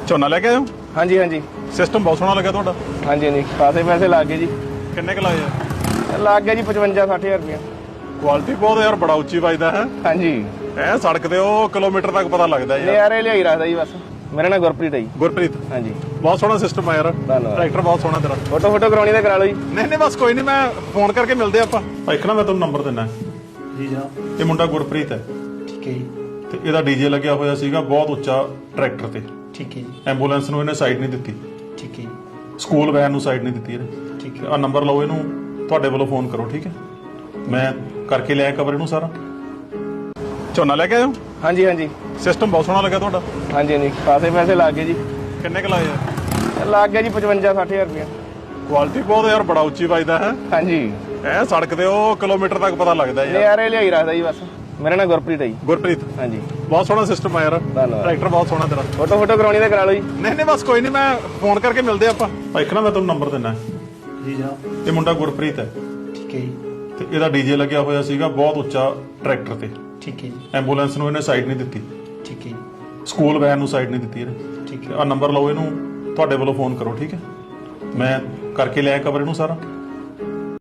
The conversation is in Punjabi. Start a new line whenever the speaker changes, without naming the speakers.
ਝੋਨਾ ਲੈ ਕੇ ਆਏ ਹੋ?
ਹਾਂਜੀ ਹਾਂਜੀ
ਸਿਸਟਮ ਬਹੁਤ ਸੋਹਣਾ ਲੱਗਾ ਤੁਹਾਡਾ।
ਹਾਂਜੀ ਹਾਂਜੀ ਖਾਸੇ ਪੈਸੇ ਲੱਗ ਗਏ ਜੀ।
ਕਿੰਨੇ ਕੁ ਲਾਏ ਆ?
ਲੱਗ ਗਿਆ ਜੀ 55-60 ਹਜ਼ਾਰ ਰੁਪਇਆ।
ਕੁਆਲਿਟੀ ਬਹੁਤ ਯਾਰ, ਬੜਾ ਉੱਚੀ ਵੱਜਦਾ ਹੈ।
ਹਾਂਜੀ
ਐ ਸੜਕ ਤੇ ਉਹ ਕਿਲੋਮੀਟਰ ਤੱਕ ਪਤਾ ਲੱਗਦਾ ਯਾਰ।
ਨਜ਼ਾਰੇ ਲਿਆਈ ਰੱਖਦਾ ਜੀ ਬਸ। ਮੇਰਾ ਨਾਮ ਗੁਰਪ੍ਰੀਤ ਹੈ ਜੀ।
ਗੁਰਪ੍ਰੀਤ,
ਹਾਂਜੀ
ਬਹੁਤ ਸੋਹਣਾ ਸਿਸਟਮ ਆ ਯਾਰ।
ਧੰਨਵਾਦ।
ਟਰੈਕਟਰ ਬਹੁਤ ਸੋਹਣਾ ਤੇਰਾ।
ਫੋਟੋ ਕਰਾਉਣੀ ਤਾਂ ਕਰਾ ਲਓ ਜੀ।
ਨਹੀਂ ਬਸ ਕੋਈ ਨਹੀਂ, ਮੈਂ ਫੋਨ ਕਰਕੇ ਮਿਲਦੇ ਆਪਾਂ। ਇੱਕ ਨਾ ਮੈਂ ਤੁਹਾਨੂੰ ਨੰਬਰ ਦਿੰਦਾ।
ਜੀ ਜਨਾਬ।
ਇਹ ਮੁੰਡਾ ਗੁਰਪ੍ਰੀਤ ਹੈ
ਠੀਕ ਹੈ ਜੀ।
ਤੇ ਇਹਦਾ ਡੀਜੇ ਲੱਗਿਆ ਹੋਇਆ ਸੀਗਾ ਬਹੁਤ ਉੱਚਾ ਟਰੈਕਟਰ ਤੇ।
ਠੀਕ ਹੈ ਜੀ।
ਐਂਬੂਲੈਂਸ ਨੂੰ ਇਹਨੇ ਸਾਈਡ ਨਹੀਂ ਦਿੱਤੀ,
ਠੀਕ ਹੈ ਜੀ।
ਸਕੂਲ ਵੈਨ ਨੂੰ ਸਾਈਡ ਨਹੀਂ ਦਿੱਤੀ ਇਹਨੇ।
ਠੀਕ
ਆ ਨੰਬਰ ਲਓ, ਇਹਨੂੰ ਤੁਹਾਡੇ ਵੱਲੋਂ ਫੋਨ ਕਰੋ, ਠੀਕ ਹੈ? ਮੈਂ ਕਰਕੇ ਲਿਆ ਕਵਰ ਇਹਨੂੰ ਸਾਰਾ। ਝੋਨਾ ਲੈ ਕੇ ਆਏ ਹੋ?
ਹਾਂਜੀ ਹਾਂਜੀ
ਸਿਸਟਮ ਬਹੁਤ ਸੋਹਣਾ ਲੱਗਾ ਤੁਹਾਡਾ।
ਹਾਂਜੀ ਹਾਂਜੀ ਖਾਸੇ ਪੈਸੇ ਲੱਗ ਗਏ ਜੀ।
ਕਿੰਨੇ ਕੁ ਲਾਏ ਆ?
ਲੱਗ ਗਿਆ ਜੀ 55-60 ਹਜ਼ਾਰ ਰੁਪਇਆ।
ਕੁਆਲਿਟੀ ਬਹੁਤ ਯਾਰ, ਬੜਾ ਉੱਚੀ ਵੱਜਦਾ ਹੈ।
ਹਾਂਜੀ
ਐ ਸੜਕ ਤੇ ਉਹ ਕਿਲੋਮੀਟਰ ਤੱਕ ਪਤਾ ਲੱਗਦਾ ਯਾਰ।
ਨਜ਼ਾਰੇ ਲਿਆਈ ਰੱਖਦਾ ਜੀ ਬਸ। ਮੇਰਾ ਨਾਮ ਗੁਰਪ੍ਰੀਤ ਹੈ ਜੀ।
ਗੁਰਪ੍ਰੀਤ,
ਹਾਂਜੀ
ਬਹੁਤ ਸੋਹਣਾ ਸਿਸਟਮ ਆ ਯਾਰ।
ਧੰਨਵਾਦ।
ਟਰੈਕਟਰ ਬਹੁਤ ਸੋਹਣਾ ਤੇਰਾ।
ਫੋਟੋ ਕਰਾਉਣੀ ਤਾਂ ਕਰਾ ਲਓ ਜੀ।
ਨਹੀਂ ਬਸ ਕੋਈ ਨਹੀਂ, ਮੈਂ ਫੋਨ ਕਰਕੇ ਮਿਲਦੇ ਆਪਾਂ। ਇੱਕ ਨਾ ਮੈਂ ਤੁਹਾਨੂੰ ਨੰਬਰ ਦਿੰਦਾ।
ਜੀ ਜਨਾਬ।
ਇਹ ਮੁੰਡਾ ਗੁਰਪ੍ਰੀਤ ਹੈ
ਠੀਕ ਹੈ ਜੀ।
ਤੇ ਇਹਦਾ ਡੀਜੇ ਲੱਗਿਆ ਹੋਇਆ ਸੀਗਾ ਬਹੁਤ ਉੱਚਾ ਟਰੈਕਟਰ ਤੇ।
ਠੀਕ ਹੈ ਜੀ।
ਐਂਬੂਲੈਂਸ ਨੂੰ ਇਹਨੇ ਸਾਈਡ ਨਹੀਂ ਦਿੱਤੀ,
ਠੀਕ ਹੈ ਜੀ।
ਸਕੂਲ ਵੈਨ ਨੂੰ ਸਾਈਡ ਨਹੀਂ ਦਿੱਤੀ ਇਹਨੇ।
ਠੀਕ ਹੈ।
ਆ ਨੰਬਰ ਲਓ, ਇਹਨੂੰ ਤੁਹਾਡੇ ਵੱਲੋਂ ਫੋਨ ਕਰੋ, ਠੀਕ ਹੈ? ਮੈਂ ਕਰਕੇ ਲਿਆ ਕਵਰ ਇਹਨੂੰ ਸਾਰਾ।